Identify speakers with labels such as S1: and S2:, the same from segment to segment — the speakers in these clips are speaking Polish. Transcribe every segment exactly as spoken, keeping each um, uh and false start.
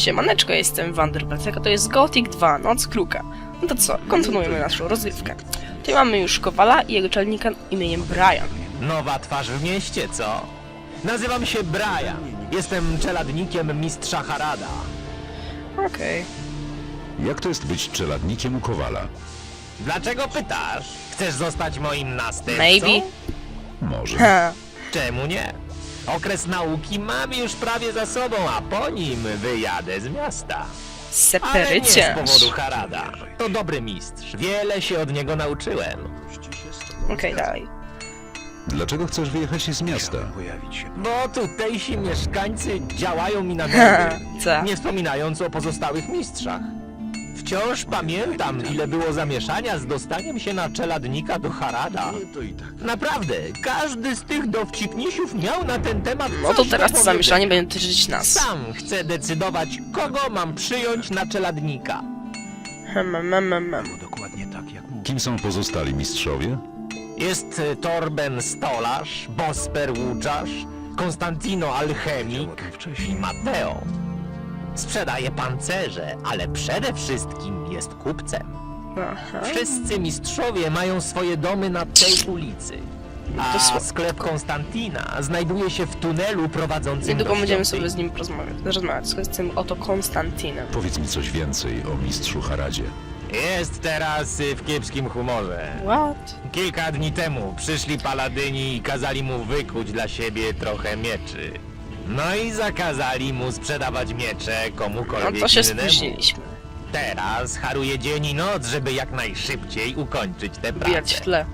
S1: Siemaneczko, jestem Wanderbelt, to jest Gothic dwa, Noc Kruka. No to co, kontynuujemy naszą rozgrywkę. Tutaj mamy już Kowala i jego czelnika imieniem Brian.
S2: Nowa twarz w mieście, co? Nazywam się Brian. Jestem czeladnikiem mistrza Harada.
S1: Okej.
S3: Jak to jest być czeladnikiem u Kowala?
S2: Dlaczego pytasz? Chcesz zostać moim następcą?
S1: Maybe.
S3: Może.
S1: Ha.
S2: Czemu nie? Okres nauki mam już prawie za sobą, a po nim wyjadę z miasta. Ale nie z
S1: Seperyciarz.
S2: powodu Harada. To dobry mistrz. Wiele się od niego nauczyłem.
S1: Okej, dalej.
S3: Dlaczego chcesz wyjechać z miasta?
S2: Bo tutejsi mieszkańcy działają mi na
S1: Ha,
S2: nerwy.
S1: co?
S2: Nie wspominając o pozostałych mistrzach. Wciąż pamiętam, ile było zamieszania z dostaniem się na czeladnika do Harada. Naprawdę, każdy z tych dowcipnisiów miał na ten temat
S1: No to
S2: coś
S1: teraz
S2: do
S1: to zamieszanie
S2: powiedzenia.
S1: będzie dotyczyć nas.
S2: Sam chcę decydować, kogo mam przyjąć na czeladnika.
S1: Hmm, hmm, hmm, hmm.
S3: Kim są pozostali mistrzowie?
S2: Jest y, Torben Stolarz, Bosper Łuczarz, Konstantino Alchemik i Mateo. Sprzedaje pancerze, ale przede wszystkim jest kupcem.
S1: Aha.
S2: Wszyscy mistrzowie mają swoje domy na tej ulicy.
S1: to
S2: A
S1: słabo.
S2: sklep Konstantina znajduje się w tunelu prowadzącym
S1: Niedługo
S2: do
S1: będziemy
S2: świątyni.
S1: sobie z nim porozmawiać, rozmawiać z tym oto Konstantinem.
S3: Powiedz mi coś więcej o mistrzu Haradzie.
S2: Jest teraz y, w kiepskim humorze.
S1: What?
S2: Kilka dni temu przyszli paladyni i kazali mu wykuć dla siebie trochę mieczy. No i zakazali mu sprzedawać miecze
S1: No
S2: komukolwiek
S1: to się
S2: innemu.
S1: spóźniliśmy.
S2: Teraz haruje dzień i noc, żeby jak najszybciej ukończyć tę
S1: Bijać w
S2: pracę.
S1: tle.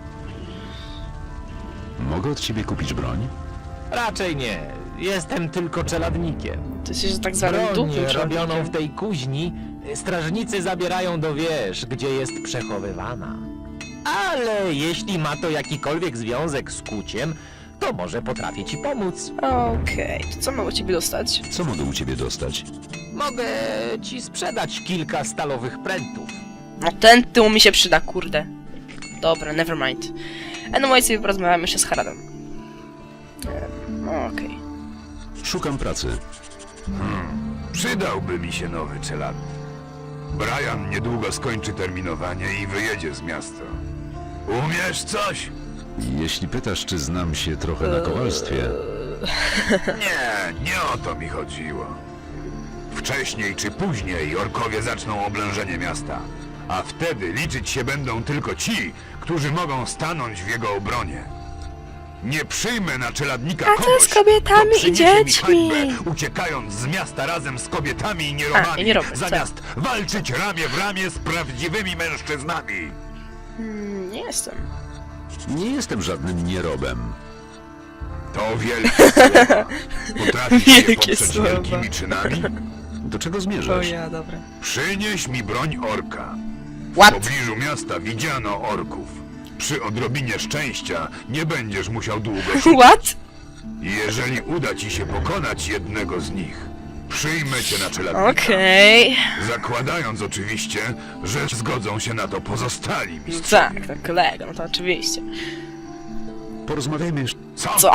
S3: Mogę od ciebie kupić broń?
S2: Raczej nie. Jestem tylko czeladnikiem.
S1: To jest tak zwanym
S2: Broń
S1: dupym
S2: robioną w
S1: człowiekiem.
S2: tej kuźni strażnicy zabierają do wież, gdzie jest przechowywana. Ale jeśli ma to jakikolwiek związek z kuciem, to może potrafię ci pomóc.
S1: Okej, to co mam u ciebie dostać?
S3: Co mogę u ciebie dostać?
S2: Mogę ci sprzedać kilka stalowych prętów.
S1: No ten tył mi się przyda, kurde. Dobra, never mind. Anyway, sobie porozmawiamy jeszcze z Haradem. Ehm, no okej.
S3: Szukam pracy.
S4: Przydałby mi się nowy czeladnik. Brian niedługo skończy terminowanie i wyjedzie z miasta. Umiesz coś?
S3: Jeśli pytasz, czy znam się trochę na kowalstwie,
S4: Nie, nie o to mi chodziło. Wcześniej czy później orkowie zaczną oblężenie miasta, a wtedy liczyć się będą tylko ci, którzy mogą stanąć w jego obronie. Nie przyjmę na czeladnika
S1: A co
S4: kogoś,
S1: z kobietami
S4: kto
S1: i
S4: przyniesie mi
S1: dziećmi?
S4: hańbę, uciekając z miasta razem z kobietami i nierobami,
S1: A, i nierobem,
S4: zamiast walczyć ramię w ramię z prawdziwymi mężczyznami.
S1: Hmm, nie jestem.
S3: nie jestem żadnym nierobem.
S4: To wielkie słowa. Potrafisz je
S1: Wielkie
S4: poprzeć
S1: słowa.
S4: wielkimi czynami?
S3: Do czego
S1: O
S3: zmierzasz?
S1: ja, dobra.
S4: Przynieś mi broń orka. W
S1: What?
S4: pobliżu miasta widziano orków. Przy odrobinie szczęścia nie będziesz musiał długo szukać.
S1: What?
S4: Jeżeli uda ci się pokonać jednego z nich, przyjmę cię na czeladnika.
S1: Okej.
S4: Zakładając oczywiście, że zgodzą się na to pozostali
S1: No
S4: mistrzowie.
S1: tak, tak, kolego, no to oczywiście.
S3: Porozmawiajmy jeszcze.
S4: Co?
S1: Co?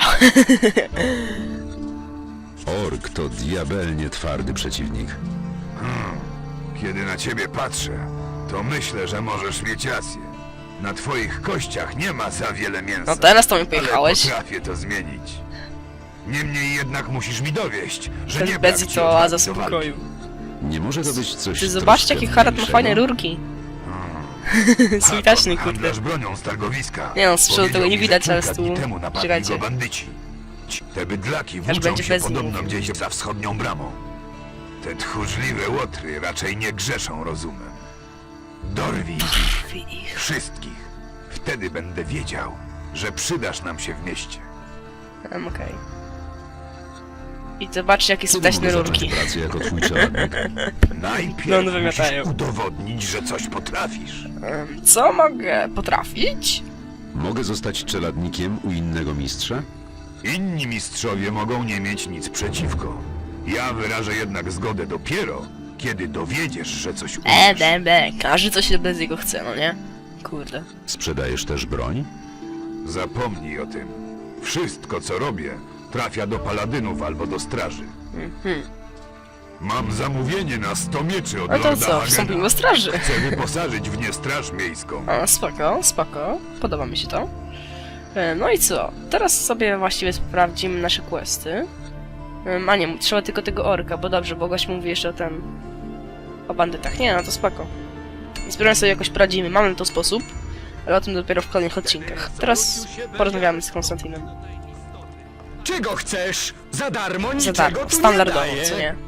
S3: Ork to diabelnie twardy przeciwnik.
S4: Kiedy na ciebie patrzę, to myślę, że możesz mieć rację. Na twoich kościach nie ma za wiele mięsa.
S1: No teraz to mi
S4: Ale
S1: pojechałeś.
S4: potrafię to zmienić. Niemniej jednak musisz mi dowieść, że
S1: Ten
S4: nie brak
S1: Bezzi
S4: ci
S1: to oaza
S4: odwagi do walki.
S1: spokoju.
S3: Nie może to być coś
S1: Ty zobaczcie,
S3: troszkę
S1: jaki Harad ma
S3: mniejszego?
S1: fajne rurki. Switaczny, kurde.
S4: Handlarz bronią z targowiska.
S1: Nie no, z przodu tego nie
S4: Powiedział mi,
S1: widać,
S4: że
S1: ale z
S4: kilka dni
S1: tyłu-
S4: temu napadli
S1: czekajcie.
S4: go bandyci. Ci- Te bydlaki
S1: Aż
S4: włóczą
S1: będzie
S4: się
S1: bez nich
S4: podobno
S1: mówił.
S4: gdzieś za wschodnią bramą. Te tchórzliwe łotry raczej nie grzeszą rozumem. Dorwij ich,
S1: Ich.
S4: wszystkich. Wtedy będę wiedział, że przydasz nam się w mieście.
S1: Um, okej. I zobaczcie, jakie
S3: Kiedy
S1: switaczne
S3: mogę
S1: rurki.
S3: zacząć pracę jako twój czeladnik?
S4: Najpierw
S1: No, one
S4: musisz
S1: wymiatają.
S4: udowodnić, że coś potrafisz.
S1: Em, Co mogę potrafić?
S3: Mogę zostać czeladnikiem u innego mistrza?
S4: Inni mistrzowie mogą nie mieć nic przeciwko. Ja wyrażę jednak zgodę dopiero, kiedy dowiedziesz, że coś
S1: E,
S4: umiesz.
S1: be, be. Każdy coś bez jego chce, no nie? Kurde.
S3: Sprzedajesz też broń?
S4: Zapomnij o tym. Wszystko, co robię, trafia do paladynów albo do straży.
S1: Mhm.
S4: Mam zamówienie na sto mieczy od
S1: No to
S4: Lorda
S1: co, wstąpimy
S4: Hagena.
S1: do straży.
S4: Chcę wyposażyć w nie straż miejską.
S1: A, spoko, spoko. Podoba mi się to. E, No i co? Teraz sobie właściwie sprawdzimy nasze questy. Em, A nie, trzeba tylko tego orka, bo dobrze, bo gość mówi jeszcze o ten... o bandytach. Nie, no to spoko. Sprawdzimy sobie jakoś poradzimy, mamy na to sposób, ale o tym dopiero w kolejnych odcinkach. Teraz porozmawiamy z Konstantinem.
S5: Czego chcesz? Za darmo
S1: Za
S5: niczego
S1: darmo,
S5: tu
S1: standardowo,
S5: nie daję.
S1: co nie?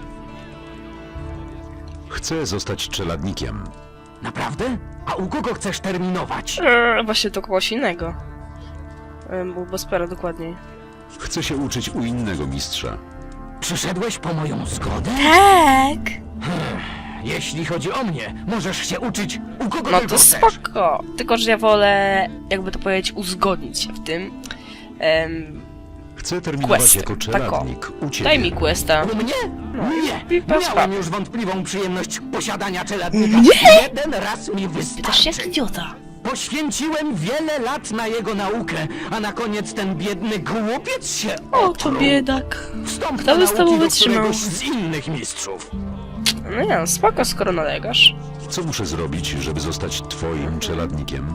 S3: Chcę zostać czeladnikiem.
S5: Naprawdę? A u kogo chcesz terminować?
S1: Eee, właśnie to kogoś innego. Eee, Był Bospera dokładniej.
S3: Chcę się uczyć u innego mistrza.
S5: Przyszedłeś po moją zgodę?
S1: Tak!
S5: Jeśli chodzi o mnie, możesz się uczyć u kogo
S1: No
S5: tylko
S1: to
S5: chcesz.
S1: spoko! Tylko, że ja wolę, jakby to powiedzieć, uzgodnić się w tym. Em,
S3: Chcę terminować
S1: Questy,
S3: jako
S1: tako.
S3: czeladnik u ciebie.
S1: Daj mi questa.
S5: U mnie? Nie.
S1: i bez
S5: Miałem
S1: sprawy.
S5: już wątpliwą przyjemność posiadania czeladnika. Jeden raz mi
S1: Też
S5: wystarczy.
S1: jak idiota.
S5: Poświęciłem wiele lat na jego naukę, a na koniec ten biedny głupiec się
S1: O, to
S5: otruł.
S1: biedak.
S5: Wstąp
S1: Kto
S5: do
S1: by z tobą
S5: nauki do
S1: wytrzymał?
S5: któregoś z innych mistrzów.
S1: No nie, no spoko, skoro nalegasz.
S3: Co muszę zrobić, żeby zostać twoim czeladnikiem?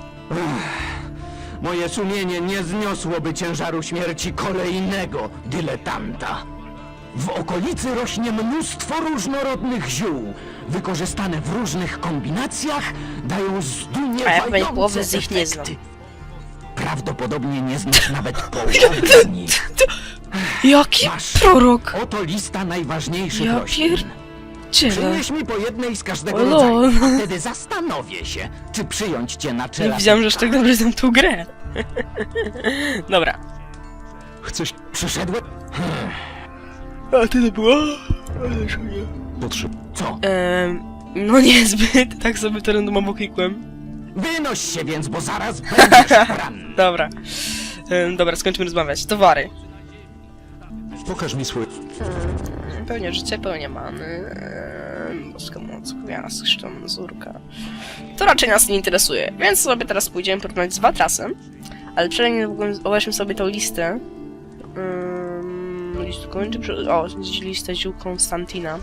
S5: Moje sumienie nie zniosłoby ciężaru śmierci kolejnego dyletanta. W okolicy rośnie mnóstwo różnorodnych ziół. Wykorzystane w różnych kombinacjach dają zdumiewające
S1: A ja pewnie połowy z nich nie znam.
S5: efekty. Prawdopodobnie nie znasz nawet połowy z nich.
S1: Jaki
S5: Masz.
S1: prorok!
S5: Oto lista najważniejszych
S1: Ja
S5: roślin.
S1: pier... Ciele.
S5: Przynieś mi po jednej z każdego
S1: O
S5: rodzaju,
S1: lol.
S5: a wtedy zastanowię się, czy przyjąć cię na
S1: Nie
S5: czele.
S1: widziałem, że aż tak dobrze znam tą grę. Dobra.
S3: Chcę się...
S5: Przyszedłem...
S1: A ty to było?
S3: Potrzeb...
S5: Co?
S1: Ehm, no niezbyt, tak sobie to randomowo klikłem.
S5: Wynoś się więc, bo zaraz będziesz ranny.
S1: Dobra. Ehm, dobra, skończmy rozmawiać. Towary.
S3: Pokaż mi swoje...
S1: Pełnia życia, pełnia many. Ehm, boska moc, gwiazd, krzyczą mazurka. To raczej nas nie interesuje, więc sobie teraz pójdziemy porównać z Watrasem. Ale przynajmniej obejrzmy sobie tą listę. Um, list kończy, przy- o, listę ziół Konstantina.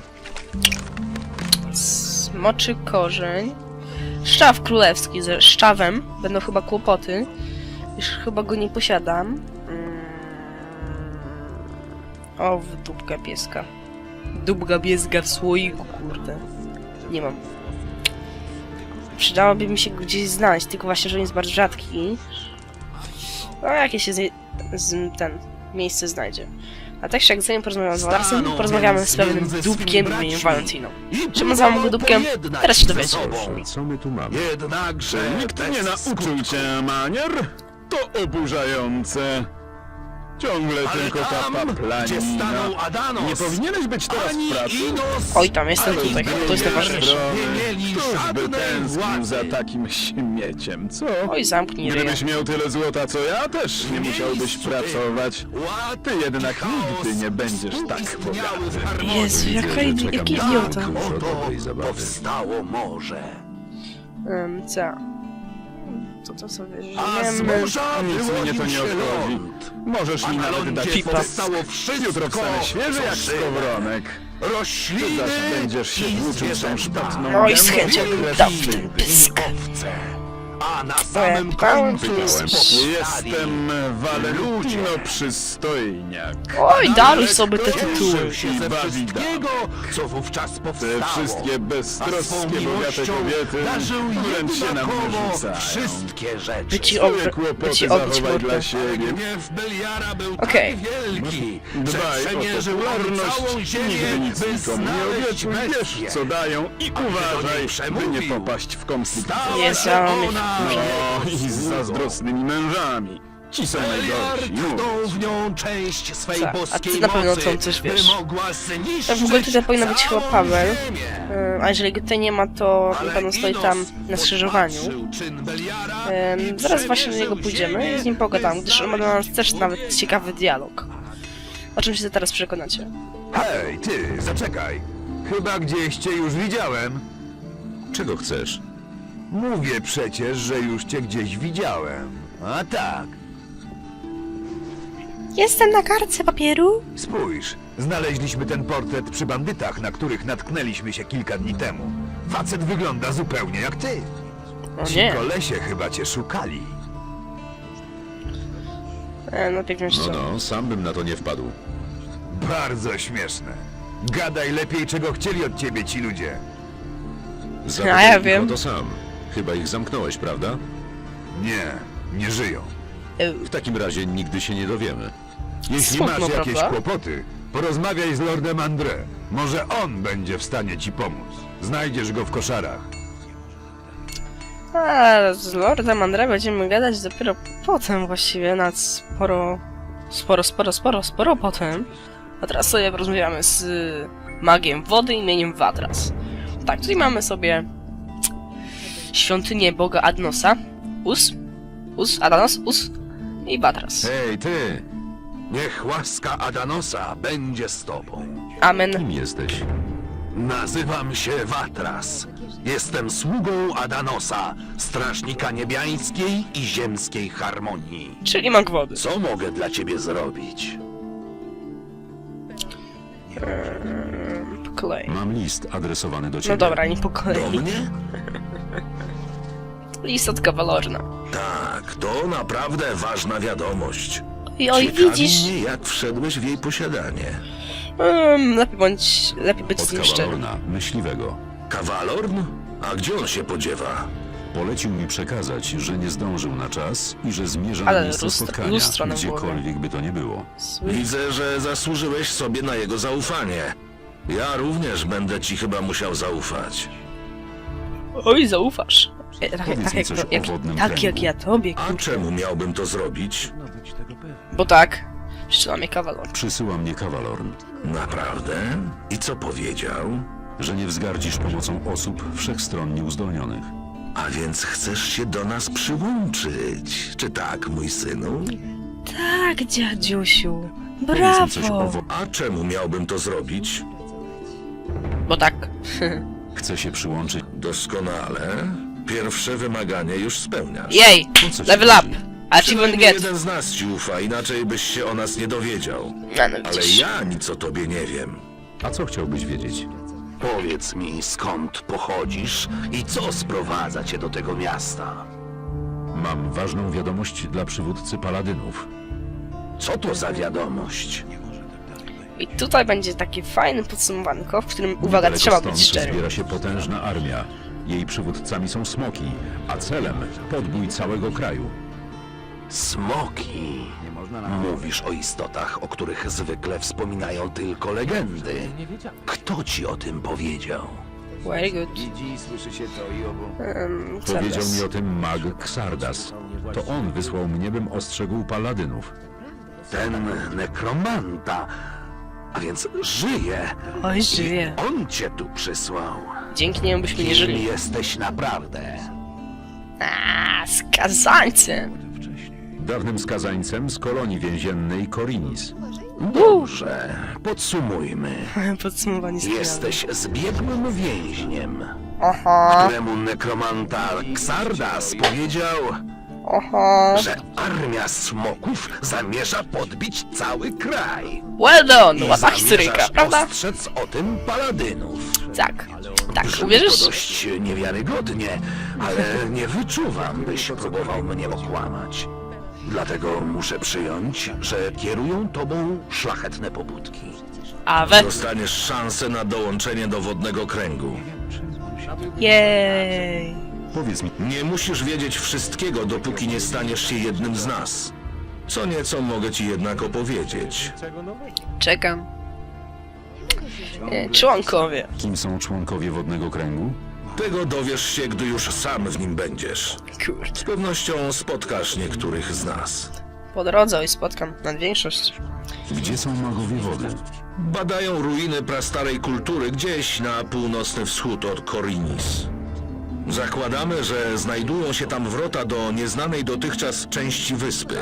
S1: Smoczy korzeń. Szczaw królewski ze szczawem. Będą chyba kłopoty. Już chyba go nie posiadam. Mm. O, w dupka pieska. Dupka pieska w słoiku, kurde. Nie mam. Przydałoby mi się go gdzieś znaleźć, tylko właśnie, że on jest bardzo rzadki. No, jakieś się z, z, ten miejsce znajdzie. A tak jak zanim porozmawiam z Walasem,
S5: Staną
S1: porozmawiamy
S5: więc
S1: z pewnym
S5: między
S1: dupkiem
S5: swymi
S1: imieniem
S5: braćmi.
S1: Valentino.
S5: I
S1: Czym nazywam go dupkiem?
S5: pojednać
S1: Teraz się
S5: ze
S1: dowiecie.
S5: sobą.
S3: Co my tu mamy?
S5: Jednakże
S6: Nikt nie nauczył cię manier? To oburzające. Ciągle
S5: Ale
S6: tylko ta
S5: tam, gdzie
S6: paplanina.
S5: stanął Adanos,
S6: Nie powinieneś być teraz
S5: ani
S6: w pracy?
S5: Inos,
S1: Oj, tam jestem
S6: Ale
S1: tutaj,
S6: z
S1: to jest
S6: drugiej
S1: najważniejsze.
S6: strony,
S5: Nie mieli
S6: Któż by
S5: żadnej
S6: tęsknił
S5: władzy.
S6: za takim śmieciem, co?
S1: Oj, zamknij ryja.
S6: Gdybyś miał tyle złota co ja, też nie musiałbyś
S5: miejscu tym
S6: pracować.
S5: ład
S6: Ty jednak
S5: i chaos
S6: nigdy nie będziesz tak
S5: współistniały w
S6: bogaty.
S5: harmonii.
S1: Jezu, jaka
S3: Widzę, że
S1: idi-
S3: czekam
S1: jaki
S3: na
S1: idiota.
S3: dużo
S5: Oto
S3: dobrej zabawy.
S5: powstało morze.
S1: Um, co? Co to sobie
S5: A z
S1: żyjemy?
S5: morza
S6: Nic mnie
S5: wyłonił
S6: to nie
S5: się
S6: obchodzi.
S5: ląd.
S6: Możesz
S5: A
S6: mi
S5: na
S6: nawet
S5: lądzie
S6: dać
S1: pipa.
S5: powstało wszystko,
S6: Jutro wstanę świeży
S5: co
S6: jak
S5: żywe.
S6: skowronek. Ty
S5: Rośliny
S6: zaś będziesz się
S5: i
S6: włóczył tą
S5: zwierzęta.
S6: szpetną
S1: Oj, z chęcią
S6: gębą,
S1: bym
S6: ile
S1: dał w
S6: wstydu.
S1: ten pysk.
S5: Owce. A na samym
S1: Pytałem,
S5: końcu
S1: ty jesteś.
S5: powstali
S6: Jestem Valentino
S5: ludzie.
S6: Przystojniak.
S1: Oj, daruj
S5: Narek
S1: sobie te
S5: cieszył
S1: tytuły.
S5: się ze wszystkiego, co wówczas
S6: Te
S5: powstało.
S6: wszystkie
S5: A swą
S6: beztroskie, bogate
S5: miłością
S6: kobiety
S5: darzył
S6: wręcz się nam
S5: jednakowo
S6: wyrzucają.
S5: wszystkie rzeczy.
S1: By ci
S6: Swoje
S1: obry- by
S6: kłopoty
S1: ci obić
S6: zachowaj
S1: mordę.
S6: dla siebie.
S5: Gniew Beliara był
S1: Okej.
S5: tak wielki, że
S6: Dbaj o
S5: przemierzył on
S6: popularność,
S5: całą ziemię,
S6: nigdy nic
S5: by
S6: nikomu nie
S5: znaleźć
S6: obiecuj,
S5: bestię.
S6: wiesz co dają i
S5: do niej
S6: uważaj, by nie
S5: przemówił.
S6: popaść w konflikt.
S5: Stała
S1: Jezu,
S5: się
S1: ale mnie
S5: ona
S6: No i z zazdrosnymi mężami. Ci są
S5: Beliar
S6: najgorsi.
S5: tknął
S6: mówię
S5: w nią część swej
S1: Tak, a
S5: boskiej
S1: ty na pewno
S5: mocy,
S1: tam coś wiesz.
S5: by mogła zniszczyć
S1: Tak, w ogóle tutaj powinno być chyba
S5: całą
S1: Paweł.
S5: ziemię.
S1: Ym, A jeżeli go tutaj nie ma, to na
S5: Ale
S1: pewno stoi
S5: Inos
S1: tam na skrzyżowaniu.
S5: podpatrzył czyn Beliara
S1: Ym,
S5: i
S1: Zaraz właśnie do niego
S5: przemierzył
S1: pójdziemy i
S5: ziemię,
S1: z nim pogadamy,
S5: by
S1: gdyż on ma dla nas też nawet ciekawy dialog. O czym się teraz przekonacie.
S4: Hej, ty, zaczekaj. Chyba gdzieś cię już widziałem.
S3: Czego chcesz?
S4: Mówię przecież, że już cię gdzieś widziałem. A tak,
S1: Jestem na kartce papieru.
S4: spójrz. Znaleźliśmy ten portret przy bandytach, na których natknęliśmy się kilka dni temu. Facet wygląda zupełnie jak ty.
S1: O
S4: Ci
S1: nie.
S4: kolesie chyba cię szukali.
S1: E, no tak wiesz
S3: No,
S1: co.
S3: no, sam bym na to nie wpadł.
S4: Bardzo śmieszne. Gadaj lepiej, czego chcieli od ciebie ci ludzie.
S3: Zapytaj
S1: ja
S3: ich
S1: wiem.
S3: o to sam. Chyba ich zamknąłeś, prawda?
S4: Nie, nie żyją.
S1: E,
S3: W takim razie nigdy się nie dowiemy.
S4: Jeśli
S1: Smutno,
S4: masz jakieś
S1: prawda?
S4: kłopoty, porozmawiaj z Lordem André. Może on będzie w stanie ci pomóc. Znajdziesz go w koszarach.
S1: A z Lordem André będziemy gadać dopiero potem właściwie, nad sporo, sporo, sporo, sporo, sporo potem. A teraz sobie porozmawiamy z y, magiem wody imieniem Vatras. Tak, tutaj mamy sobie świątynię boga Adnosa, Us, Us, Adanos, Us i Vatras.
S7: Hej, ty! Niech łaska Adanosa będzie z tobą.
S1: Amen.
S3: Kim jesteś?
S7: Nazywam się Vatras. Jestem sługą Adanosa, strażnika niebiańskiej i ziemskiej harmonii.
S1: Czyli mag wody.
S7: Co mogę dla ciebie zrobić?
S1: Po kolei.
S3: Mam list adresowany do ciebie.
S1: No dobra, nie po
S7: Do
S1: kolei.
S7: mnie?
S1: List od Kawalorna.
S7: Tak, to naprawdę ważna wiadomość.
S1: I oj,
S7: Ciekawi
S1: widzisz?
S7: mnie, jak wszedłeś w jej posiadanie.
S1: Um, lepiej bądź, lepiej być z
S3: Od
S1: nim szczerym.
S3: Kawalorna, myśliwego.
S7: Kawalorn? A gdzie on się podziewa?
S3: Polecił mi przekazać, że nie zdążył na czas i że zmierza na
S1: Ale
S3: miejsce
S1: lustro-
S3: spotkania,
S1: lustro na głowie.
S3: gdziekolwiek by to nie było.
S7: Widzę, że zasłużyłeś sobie na jego zaufanie. Ja również będę ci chyba musiał zaufać.
S1: Oj, zaufasz. E, tak,
S3: Powiedz
S1: tak,
S3: mi
S1: jak,
S3: coś o
S1: jak,
S3: wodnym
S1: tak
S3: kręgu.
S1: jak ja tobie,
S7: A czemu miałbym to zrobić?
S1: bo tak. Przyczyna mnie Kawalor.
S3: Przysyła mnie Kawalorn,
S7: Naprawdę? I co powiedział?
S3: że nie wzgardzisz pomocą osób wszechstronnie uzdolnionych.
S7: A więc chcesz się do nas przyłączyć? Czy tak, mój synu?
S1: Tak, dziadziusiu.
S3: Powiedz mi coś o
S1: Brawo.
S3: wo-
S7: A czemu miałbym to zrobić?
S1: Bo tak.
S3: Chcę się przyłączyć.
S7: Doskonale. Pierwsze wymaganie już spełniasz.
S1: Jej!
S3: Po co ci
S1: Level up!
S3: chodzi?
S1: Achievement
S7: Przynajmniej
S1: get!
S7: jeden z nas ci ufa, inaczej byś się o nas nie dowiedział.
S1: No, no
S7: Ale
S1: widzisz.
S7: ja nic o tobie nie wiem.
S3: A co chciałbyś wiedzieć?
S7: Powiedz mi, skąd pochodzisz i co sprowadza cię do tego miasta?
S3: Mam ważną wiadomość dla przywódcy paladynów.
S7: Co to za wiadomość?
S1: I tutaj będzie takie fajne podsumowanko, w którym, uwaga,
S3: Niedaleko
S1: trzeba
S3: stąd
S1: być szczery.
S3: zbiera się potężna armia. Jej przywódcami są smoki, a celem podbój całego kraju.
S7: Smoki. Mówisz o istotach, o których zwykle wspominają tylko legendy. Kto ci o tym powiedział?
S1: Very good. Um, co
S3: Powiedział
S1: teraz?
S3: mi o tym mag Xardas. To on wysłał mnie, bym ostrzegł paladynów.
S7: Ten nekromanta. A więc żyje.
S1: Oj, żyje.
S7: On cię tu przysłał.
S1: Dzięki niemu byśmy nie
S7: Kim
S1: żyli.
S7: jesteś naprawdę?
S1: A, skazańcem!
S3: Dawnym skazańcem z kolonii więziennej Korinis.
S7: Dobrze, podsumujmy.
S1: Podsumowanie sprawy.
S7: Jesteś zbiegłym więźniem,
S1: Aha,
S7: któremu nekromanta Xardas powiedział,
S1: aha.
S7: że armia smoków zamierza podbić cały kraj.
S1: Well done!
S7: I
S1: Łatwa historyjka,
S7: zamierzasz
S1: prawda?
S7: ostrzec o tym paladynów.
S1: Tak. Tak,
S7: Brzmi
S1: uwierzysz?
S7: to dość niewiarygodnie, ale nie wyczuwam, byś próbował mnie okłamać. Dlatego muszę przyjąć, że kierują tobą szlachetne pobudki.
S1: A we...
S7: Dostaniesz szansę na dołączenie do wodnego kręgu.
S1: Jej.
S3: Powiedz mi,
S7: Nie musisz wiedzieć wszystkiego, dopóki nie staniesz się jednym z nas. Co nieco mogę ci jednak opowiedzieć.
S1: Czekam. E, członkowie.
S3: kim są członkowie wodnego kręgu?
S7: Tego dowiesz się, gdy już sam w nim będziesz.
S1: Kurde.
S7: Z pewnością spotkasz niektórych z nas.
S1: Po drodze i spotkam nad większość.
S3: Gdzie są magowie wody?
S7: Badają ruiny prastarej kultury gdzieś na północny wschód od Korinis. Zakładamy, że znajdują się tam wrota do nieznanej dotychczas części wyspy.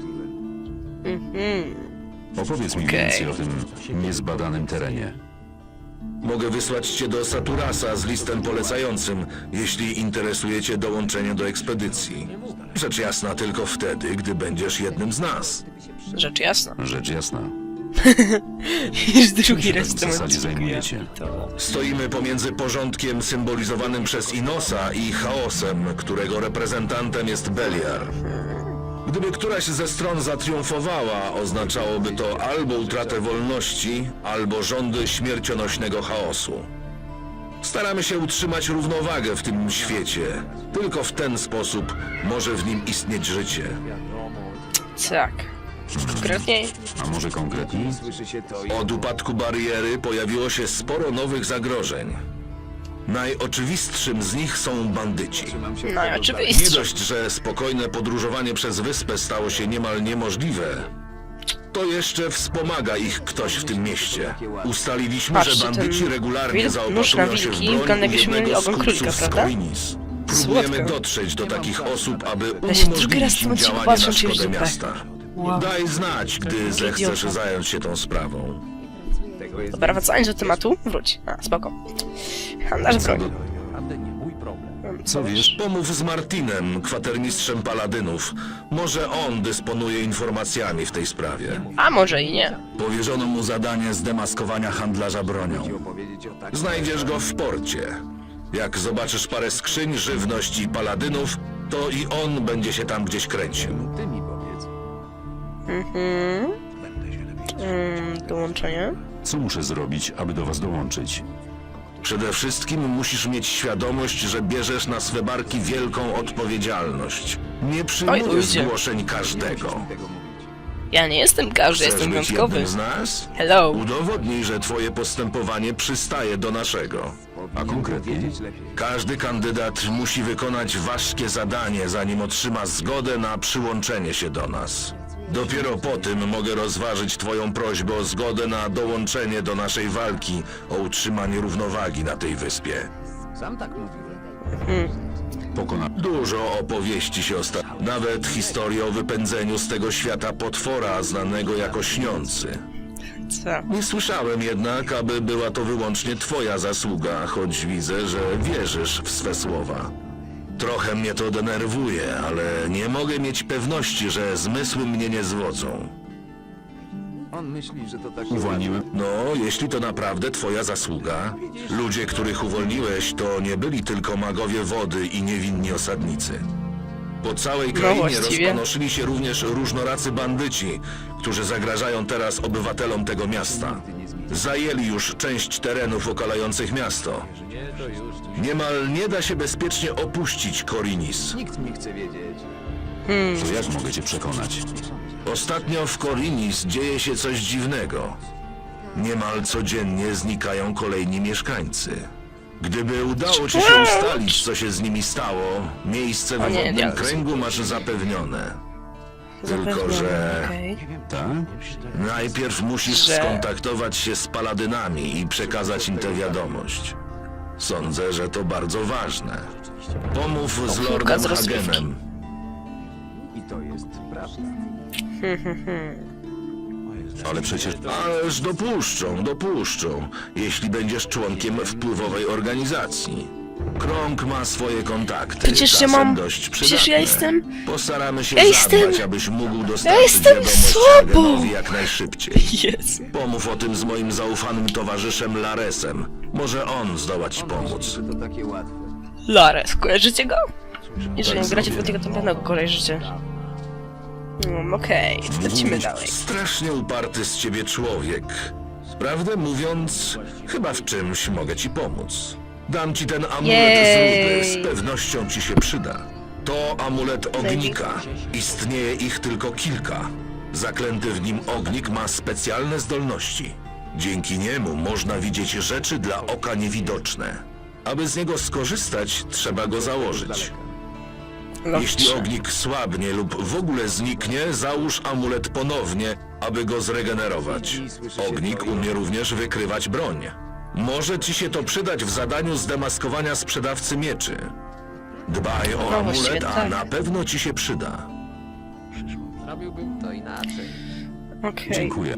S1: Mhm.
S3: Opowiedz mi
S1: Okej.
S3: więcej o tym niezbadanym terenie.
S7: Mogę wysłać cię do Saturasa z listem polecającym, jeśli interesuje cię dołączenie do ekspedycji. Rzecz jasna tylko wtedy, gdy będziesz jednym z nas.
S1: Rzecz jasna.
S3: Rzecz jasna.
S1: Już drugi
S3: się
S1: raz
S3: tak w
S1: w tym
S3: zasadzie
S1: odcinku,
S3: zajmujecie?
S1: ja pitole.
S7: Stoimy pomiędzy porządkiem symbolizowanym przez Inosa i chaosem, którego reprezentantem jest Beliar. Gdyby któraś ze stron zatriumfowała, oznaczałoby to albo utratę wolności, albo rządy śmiercionośnego chaosu. Staramy się utrzymać równowagę w tym świecie. Tylko w ten sposób może w nim istnieć życie.
S1: Tak. Konkretniej?
S3: A może konkretniej?
S7: Od upadku bariery pojawiło się sporo nowych zagrożeń. Najoczywistszym z nich są bandyci.
S1: No i
S7: Nie
S1: oczywiście.
S7: dość, że spokojne podróżowanie przez wyspę stało się niemal niemożliwe, to jeszcze wspomaga ich ktoś w tym mieście. Ustaliliśmy,
S1: Patrzcie,
S7: że bandyci
S1: ten
S7: regularnie
S1: wilk, nóż na
S7: zaopatrują się w
S1: wilki,
S7: broń
S1: wygląda
S7: u
S1: jakbyśmy mieli
S7: jednego z
S1: ogon królika,
S7: kupców z
S1: prawda?
S7: Korinis. Próbujemy
S1: Słodko.
S7: dotrzeć do takich osób, aby
S1: Ja się drugi raz
S7: uniemożliwić
S1: w tym
S7: im
S1: odcinku
S7: działanie
S1: patrzę,
S7: na
S1: czy już
S7: szkodę
S1: zupę.
S7: miasta.
S1: Wow.
S7: Daj znać, gdy zechcesz
S1: idiota.
S7: zająć się tą sprawą.
S1: Dobra, wracając do tematu, wróć. A, spoko. Handlarz broni.
S3: Co wiesz?
S7: Pomów z Martinem, kwatermistrzem paladynów. Może on dysponuje informacjami w tej sprawie.
S1: A może i nie.
S7: Powierzono mu zadanie zdemaskowania handlarza bronią. Znajdziesz go w porcie. Jak zobaczysz parę skrzyń, żywność i paladynów, to i on będzie się tam gdzieś kręcił.
S1: Mhm. Mm, dołączenie.
S3: Co muszę zrobić, aby do was dołączyć?
S7: Przede wszystkim musisz mieć świadomość, że bierzesz na swe barki wielką odpowiedzialność. Nie przyjmujesz
S1: ludzie.
S7: zgłoszeń każdego.
S1: Ja nie jestem każdy,
S7: Chcesz
S1: jestem
S7: być
S1: wyjątkowy.
S7: jednym z nas?
S1: Hello.
S7: Udowodnij, że twoje postępowanie przystaje do naszego.
S3: A konkretnie?
S7: Każdy kandydat musi wykonać ważkie zadanie, zanim otrzyma zgodę na przyłączenie się do nas. Dopiero po tym mogę rozważyć twoją prośbę o zgodę na dołączenie do naszej walki o utrzymanie równowagi na tej wyspie.
S3: Pokona...
S7: Dużo opowieści się ostatnio. Nawet historię o wypędzeniu z tego świata potwora znanego jako Śniący.
S1: Co?
S7: Nie słyszałem jednak, aby była to wyłącznie twoja zasługa, choć widzę, że wierzysz w swe słowa. Trochę mnie to denerwuje, ale nie mogę mieć pewności, że zmysły mnie nie zwodzą.
S3: Uwolniłem...
S7: No, jeśli to naprawdę twoja zasługa, ludzie, których uwolniłeś, to nie byli tylko magowie wody i niewinni osadnicy. Po całej krainie
S1: właściwie.
S7: rozpanoszyli się również różnoracy bandyci, którzy zagrażają teraz obywatelom tego miasta. Zajęli już część terenów okalających miasto. Niemal nie da się bezpiecznie opuścić Korinis.
S3: To jak mogę cię przekonać?
S7: Ostatnio w Korinis dzieje się coś dziwnego. Niemal codziennie znikają kolejni mieszkańcy. Gdyby udało ci się ustalić, co się z nimi stało, miejsce
S1: O
S7: w
S1: nie,
S7: wodnym
S1: nie.
S7: kręgu masz zapewnione. Tylko,
S1: Zapewnione,
S7: że
S1: okej.
S3: Tak?
S7: najpierw musisz
S1: Że-
S7: skontaktować się z paladynami i przekazać im tę wiadomość. Sądzę, że to bardzo ważne. Pomów z
S1: Ochórka
S7: Lordem
S1: z rozgrywki.
S7: Hagenem.
S3: Ale przecież...
S7: Ależ dopuszczą, dopuszczą, jeśli będziesz członkiem wpływowej organizacji. Krąg ma swoje kontakty.
S1: Przecież ja
S7: czasem
S1: mam-
S7: dość
S1: przecież ja
S7: przydatne.
S1: jestem-
S7: Postaramy się
S1: Ja jestem-
S7: zadbać, abyś mógł dostarczyć
S1: jestem
S7: wiadomość
S1: sobą!
S7: Hagenowi jak najszybciej.
S1: Jezu.
S7: Pomów o tym z moim zaufanym towarzyszem Laresem. Może on zdoła ci pomóc.
S1: Lares, kojarzycie go? Jeżeli
S3: Tak
S1: nie gracie w
S3: sobie.
S1: tego, to pewno go kojarzycie. Mm, Okej, lecimy
S7: Mówić,
S1: dalej.
S7: strasznie uparty z ciebie człowiek. Prawdę mówiąc, chyba w czymś mogę ci pomóc. Dam ci ten amulet
S1: Jej.
S7: z rudy, z pewnością ci się przyda. To amulet ognika. Istnieje ich tylko kilka. Zaklęty w nim ognik ma specjalne zdolności. Dzięki niemu można widzieć rzeczy dla oka niewidoczne. Aby z niego skorzystać, trzeba go założyć. Jeśli
S1: Dobrze.
S7: ognik słabnie lub w ogóle zniknie, załóż amulet ponownie, aby go zregenerować. Ognik umie również wykrywać broń. Może ci się to przydać w zadaniu zdemaskowania sprzedawcy mieczy. Dbaj o
S1: No właściwie
S7: amulet, a
S1: tak.
S7: na pewno ci się przyda.
S1: Okej.
S3: Dziękuję.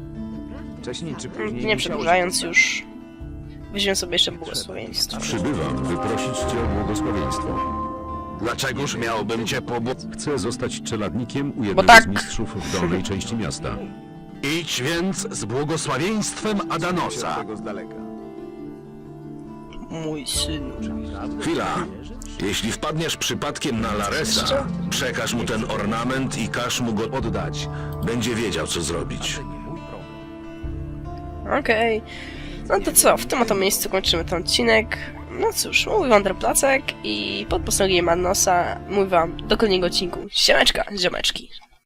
S1: Nie przedłużając już. Weźmiemy sobie jeszcze błogosławieństwo.
S3: Przybywam wyprosić cię o błogosławieństwo.
S4: Dlaczegoż miałbym cię pobł...
S3: Chcę zostać czeladnikiem u
S1: Bo
S3: jednego
S1: tak.
S3: z mistrzów w dolnej części miasta.
S6: Idź więc z błogosławieństwem Adanosa.
S1: Mój synu.
S7: Chwila. Jeśli wpadniesz przypadkiem na Laresa, przekaż mu ten ornament i każ mu go oddać. Będzie wiedział, co zrobić.
S1: Okej. No to co, w tym oto miejscu kończymy ten odcinek. No cóż, mówił wam Placek i pod posągiem Adanosa mówię wam do kolejnego odcinku. Siemeczka, ziomeczki.